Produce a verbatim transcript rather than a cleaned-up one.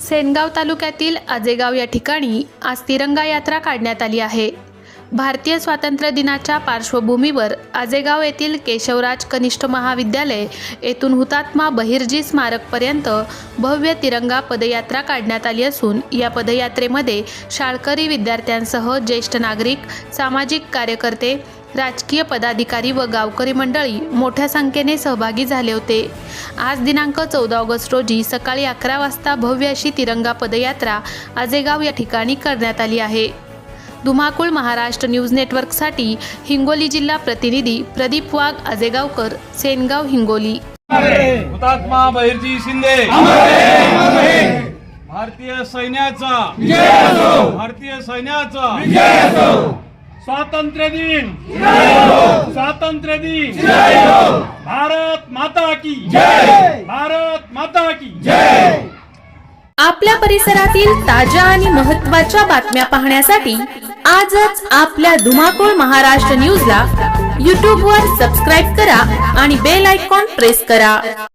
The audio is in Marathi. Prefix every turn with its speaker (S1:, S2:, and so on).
S1: सेनगाव तालुक्यातील आजेगाव या ठिकाणी आज तिरंगा यात्रा काढण्यात आली आहे। भारतीय स्वातंत्र्य दिनाच्या पार्श्वभूमीवर आजेगाव येथील केशवराज कनिष्ठ महाविद्यालय येथून हुतात्मा बहिर्जी स्मारकपर्यंत भव्य तिरंगा पदयात्रा काढण्यात आली असून या पदयात्रेमध्ये शाळकरी विद्यार्थ्यांसह ज्येष्ठ नागरिक, सामाजिक कार्यकर्ते, राजकीय पदाधिकारी व गावकरी मंडळी मोठ्या संख्येने सहभागी झाले होते। आज दिनांक चौदा ऑगस्ट रोजी सकाळी अकरा वाजता भव्य अशी तिरंगा पदयात्रा आजेगाव या ठिकाणी करण्यात आली आहे। धुमाकूळ महाराष्ट्र न्यूज नेटवर्कसाठी हिंगोली जिल्हा प्रतिनिधी प्रदीप वाघ, आजेगावकर, सेनगाव, हिंगोली।
S2: हुतात्मा बहिर्जी शिंदे भारतीय सैन्याचा भारतीय सैन्याचा स्वातंत्र्य दिन स्वातंत्र्य दिन भारत माता की जय भारत माता की जय।
S3: आपल्या परिसरातील ताज्या आणि महत्त्वाच्या बातम्या पाहण्यासाठी आजच आपल्या धुमाकूळ महाराष्ट्र न्यूजला यूट्यूब वर सबस्क्राइब करा आणि बेल आयकॉन प्रेस करा।